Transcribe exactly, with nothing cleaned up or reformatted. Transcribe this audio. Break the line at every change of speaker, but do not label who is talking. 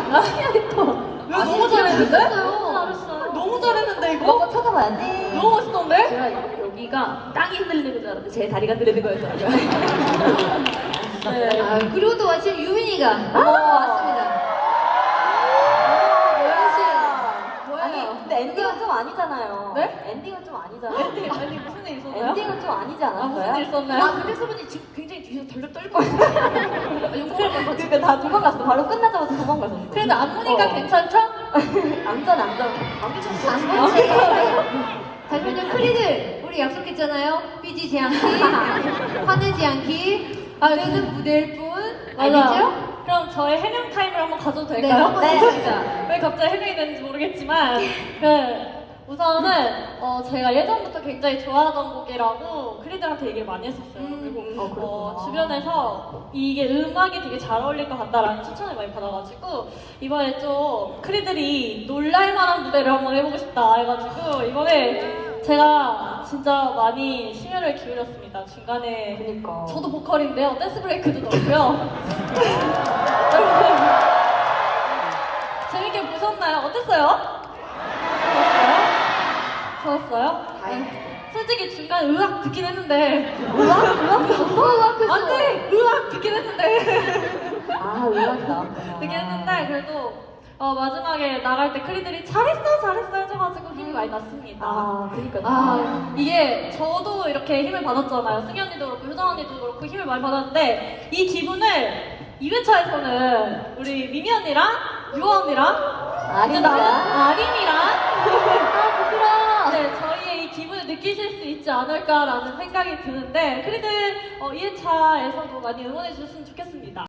신기하게 또.
왜 너무 잘했는데?
너무 잘했어요.
너무 잘했는데 이거?
한번 찾아봐야지.
너무 멋있던데?
제가 여기가 땅이 흔들리는 줄 알았는데 제 다리가 흔들리는 거였더라고요.
네.
아, 그리고 또 마침 유민이가
아,
왔습니다.
뭐야? 아니 근데 엔딩은 좀 아니잖아요.
네?
엔딩은 좀 아니잖아요.
아니 무슨 일 있었나요?
엔딩은 좀 아니지
아
않았어요?
무슨 일 있었나요?
아, 근데 서분이 지금 굉장히 뒤에서 덜덜 떨고 있어요. 용서를 못 받지.
그러니까 다 도망갔어. 바로 끝나자마자 도망갔어.
그래도 안무니까
어.
괜찮죠?
안전 안전.
안 그렇지. 잠시만요, 크리들. 우리 약속했잖아요. 삐지지 않기, 화내지 않기. 아, 저는 무대일 뿐. 알겠죠?
맞아요. 그럼 저의 해명 타임을 한번 가져도
네,
될까요?
한번 해주시죠.
왜 갑자기 해명이 되는지 모르겠지만 그 우선은 어, 제가 예전부터 굉장히 좋아하던 곡이라고 크리들한테 얘기를 많이 했었어요.
음,
그리고
어,
어,
그렇구나.
주변에서 이게 음악이 되게 잘 어울릴 것 같다라는 추천을 많이 받아가지고 이번에 좀 크리들이 놀랄만한 무대를 한번 해보고 싶다 해가지고 이번에 제가 진짜 많이 심혈을 기울였습니다. 중간에
그니까.
저도 보컬인데요. 댄스 브레이크도 넣고요. 여러분 재밌게 보셨나요? 어땠어요? 좋았어요? 좋았어요? 네. 솔직히 중간에 으악 듣긴 했는데
의학? 의학 있었어?
의학
안돼! 으악 듣긴 했는데
아 의학이 나왔구나.
듣긴 했는데 그래도 어, 마지막에 나갈 때 크리들이 잘했어 잘했어 해줘가지고 힘이 많이 났습니다.
아 그니까.
아, 이게 저도 이렇게 힘을 받았잖아요. 승희 언니도 그렇고 효정 언니도 그렇고 힘을 많이 받았는데 이 기분을 이 회차에서는 우리 미미 언니랑 유아 언니랑
아린이가?
아림이랑
아 부끄러워.
네, 저희의 이 기분을 느끼실 수 있지 않을까라는 생각이 드는데 크리들 어, 이 회차에서도 많이 응원해 주셨으면 좋겠습니다.